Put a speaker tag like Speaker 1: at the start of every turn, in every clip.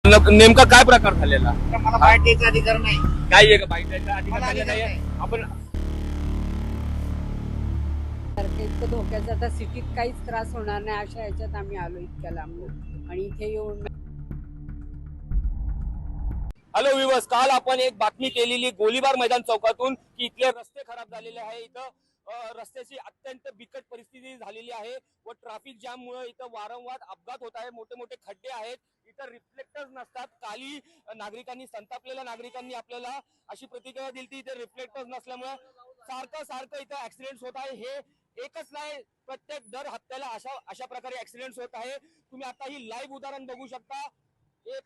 Speaker 1: नेमका काय प्रकार झालेला?
Speaker 2: मला बाहेर द्यायचा अधिकार नाही.
Speaker 1: काय आहे का बाईक द्यायचा अधिकार
Speaker 2: मला
Speaker 1: झालेला
Speaker 2: अधिकार
Speaker 1: आहे?
Speaker 2: नाही.
Speaker 1: आपण
Speaker 3: सारखं इतकं धोक्याचं आता सिटीत काहीच त्रास होणार नाही अशा ह्याच्यात आम्ही आलो इतक्या लांबून आणि इथे येऊन
Speaker 1: हॅलो विवर्स, काल आपण एक बातमी केलेली गोलीबार मैदान चौकातून की इथले रस्ते खराब झालेले आहे. इथं रस्त्याची अत्यंत बिकट परिस्थिती झालेली आहे व ट्रॅफिक जॅम मुळे इथं वारंवार अपघात होत आहे. मोठे मोठे खड्डे आहेत, इथं रिफ्लेक्टर्स नसतात. काली नागरिकांनी, संतापलेल्या नागरिकांनी आपल्याला अशी प्रतिक्रिया दिली की इथे रिफ्लेक्टर्स नसल्यामुळे सारखं इथं ऍक्सिडेंट होत आहे. हे एकच नाही, प्रत्येक दर हप्त्याला अशा प्रकारे ऍक्सिडेंट होत आहे. तुम्ही आता ही लाईव्ह उदाहरण बघू शकता. एक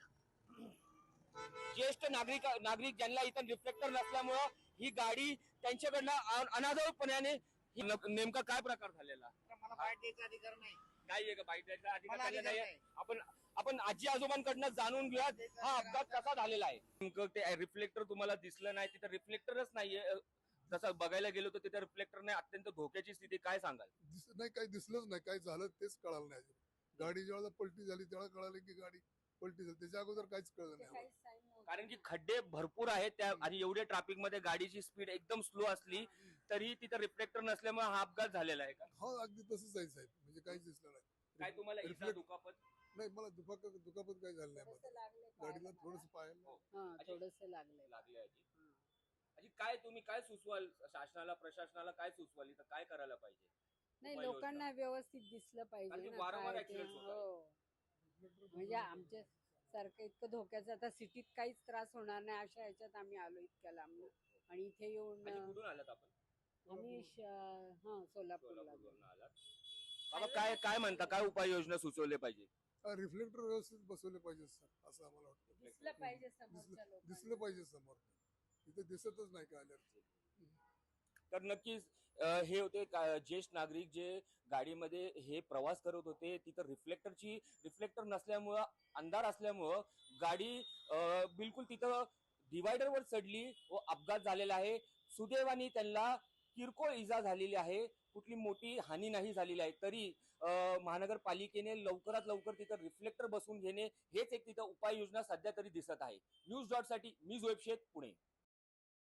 Speaker 1: ज्येष्ठ नागरिक ज्यांना इथं रिफ्लेक्टर नसल्यामुळं ही गाडी त्यांच्याकडनं अनादरपणाने नेमका काय प्रकार झालेला?
Speaker 2: मला बाहेर द्यायचा अधिकार नाही.
Speaker 1: काय आहे का बाईक द्यायचा अधिकार
Speaker 2: मला
Speaker 1: झालेला
Speaker 2: अधिकार
Speaker 1: आहे?
Speaker 2: नाही.
Speaker 1: आपण आजी आजोबांकडनं जाणून घेऊया हा अपघात कसा झालेला आहे. नेमकं ते रिफ्लेक्टर तुम्हाला दिसलं नाही, तिथं रिफ्लेक्टरच नाहीये. जसं बघायला गेलो तर तिथं रिफ्लेक्टर नाही, अत्यंत धोक्याची स्थिती. काय सांगाल?
Speaker 4: नाही, काही दिसलंच नाही, काय झालं तेच कळालं नाही. गाडी जेव्हा पलटी झाली तेव्हा कळालं की गाडी पलटी झाली, त्याच्या अगोदर काहीच कळलं नाही.
Speaker 1: कारण की खड्डे भरपूर आहेत त्या आणि एवढ्या ट्रॅफिक मध्ये गाडीची स्पीड एकदम स्लो असली तरी तिथं रिफ्लेक्टर नसल्यामुळे हा अपघात झालेला आहे का?
Speaker 4: हो, अगदी तसंच आहे साहेब, म्हणजे काहीच दिसलं नाही.
Speaker 1: काय तुम्हाला इजा
Speaker 4: Reflect-
Speaker 1: दुखापत?
Speaker 4: नाही, मला दुखापत काही झालं नाही मला. गाडीला थोडस पायाला
Speaker 3: थोडस लागलंय.
Speaker 1: लागली आहे अशी काय तुम्ही काय सुचवाल शासनाला, प्रशासनाला काय सुचवाल, इथं काय करायला पाहिजे?
Speaker 3: नाही,
Speaker 1: उपाययोजना.
Speaker 3: लोकांना व्यवस्थित दिसलं
Speaker 1: कारण
Speaker 3: पाहिजे
Speaker 1: की
Speaker 3: ना
Speaker 1: वारंवार
Speaker 3: काय ते.
Speaker 1: accidents होत आहेत.
Speaker 3: हो, म्हणजे आमच्या सारखं इतकं धोक्याचं आता सिटीत काहीच त्रास होणार नाही अशा ह्याच्यात आम्ही आलो इतक्या लांबून आणि इथे येऊन
Speaker 1: आणि कुठून आलात आपण?
Speaker 3: आम्ही सोलापूरला
Speaker 1: सोलापूरवरून आलात. बाबा काय काय म्हणता, काय उपाययोजना सुचवले पाहिजे?
Speaker 4: रिफ्लेक्टर व्यवस्थित बसवले पाहिजे सर, असं आम्हाला वाटतं.
Speaker 3: दिसलं पाहिजे समोरच्या लोकांना.
Speaker 4: दिसलं पाहिजे समोर, इथे दिसतच नाही काय आल्यावर.
Speaker 1: तर नक्कीच हे होते ज्येष्ठ नागरिक जे गाडीमध्ये हे प्रवास करत होते. तिथं रिफ्लेक्टर नसल्यामुळं, अंधार असल्यामुळं गाडी बिलकुल तिथं डिवायडरवर चढली व अपघात झालेला आहे. सुदैवाने त्यांना किरकोळ इजा झालेली आहे, कुठली मोठी हानी नाही झालेली आहे. तरी महानगरपालिकेने लवकरात लवकर तिथं रिफ्लेक्टर बसवून घेणे हेच एक तिथं उपाययोजना सध्या तरी दिसत आहे. न्यूज डॉट साठी मी जोएब शेख, पुणे.